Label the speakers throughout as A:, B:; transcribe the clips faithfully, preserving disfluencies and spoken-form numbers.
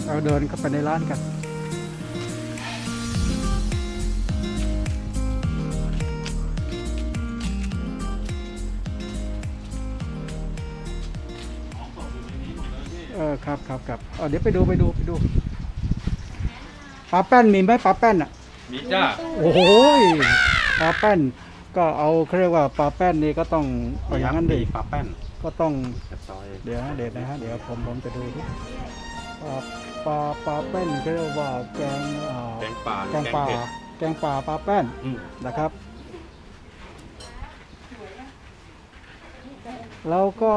A: เราเดินเข้าไปในร้านกันเออครับครับครับเออเดี๋ยวไปดูไปดูไปดูปลาแป้นมีไหมปลาแป้นอ่ะ
B: มีจ้า
A: โอ้โหปลาแป้นก็เอาเขาเรียกว่าปลาแป้นนี่ก็ต้องเอาอย่างนั้นดิ
B: ปลาแป้น
A: ก็ต้อง
B: กับซอย
A: เดี๋ยวนะเดี๋ยวนะฮะเดี๋ยวผมผมจะดูดิปลาปลาปลาแป้นเขาเรียกว่าแกงอ่า
B: แกงป่า
A: แกงป่า
B: เผ็ด
A: แกงป่าปลาแป้น
B: อืม
A: นะครับ แล้วก็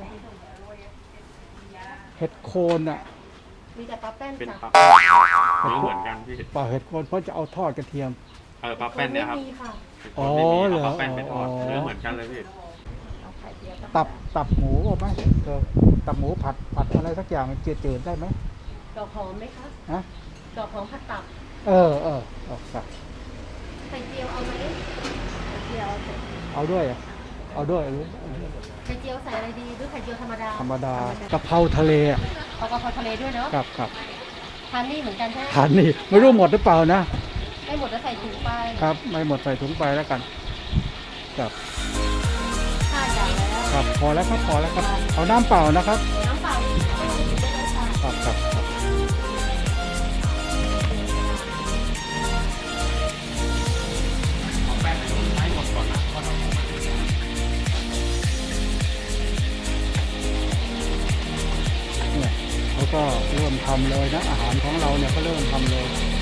A: เห็ดโคนอ่ะ
C: มีแต่ปลาแป้น
B: เป็น
C: จ้ะ
B: ปลาแป้นเนื้อเหมือนกันพี่
A: ปลาเห็ดโคนเพราะจะเอาทอดกระเทียม
B: เออปลาแป้นเนี่ยครับ
C: ไม่มีค่ะ
A: อ๋อ
B: คนไม่มี
A: เหรอ
B: เอาปลาแป้นไปทอด
A: อ๋อ
B: เนื้อเหมือนกันเลยพี่
C: เอาไข่เจียว
A: ตับตับหมูเอาไหมเธอตับหมูผัดผัดอะไรสักอย่างจืดๆได้ไหม
C: ดอกหอมไหมคะ
A: ฮะ
C: ดอกหอมผัดตับ
A: เออเออเอาครับ
C: ไข่เจียวเอาไหมไข่เจียวเอาเถอะ
A: เอาด้วยอ่ะเอาด้วยเอาด้วย
C: ไข่เจียวใส่อะไรดีหรือไข่เจียวธรรมดา
A: ธรรมดากะเพราทะเลอ่ะ
C: เอากะเพราทะเลด้วยเนาะ
A: ครับครับ
C: ทานนี่เหมือนกันใช่ไหม
A: ทานนี่ไม่รู้หมดหรือเปล่านะ
C: ไม่หมดแล้วใส่ถุงไป
A: ครับ ไม่หมดใส่ถุงไปแล้วกันครับ
C: ห้าอย่างแล้ว
A: ครับพอแล้วครับพอแล้วครับเอาน้ำเปล่านะครับ
C: น้ำเปล่าอีกไม่ต้องกินได้เลยค่ะ
A: ครับครับครับเนี่ยเขาก็เริ่มทำเลยนะอาหารของเราเนี่ยก็เริ่มทำเลย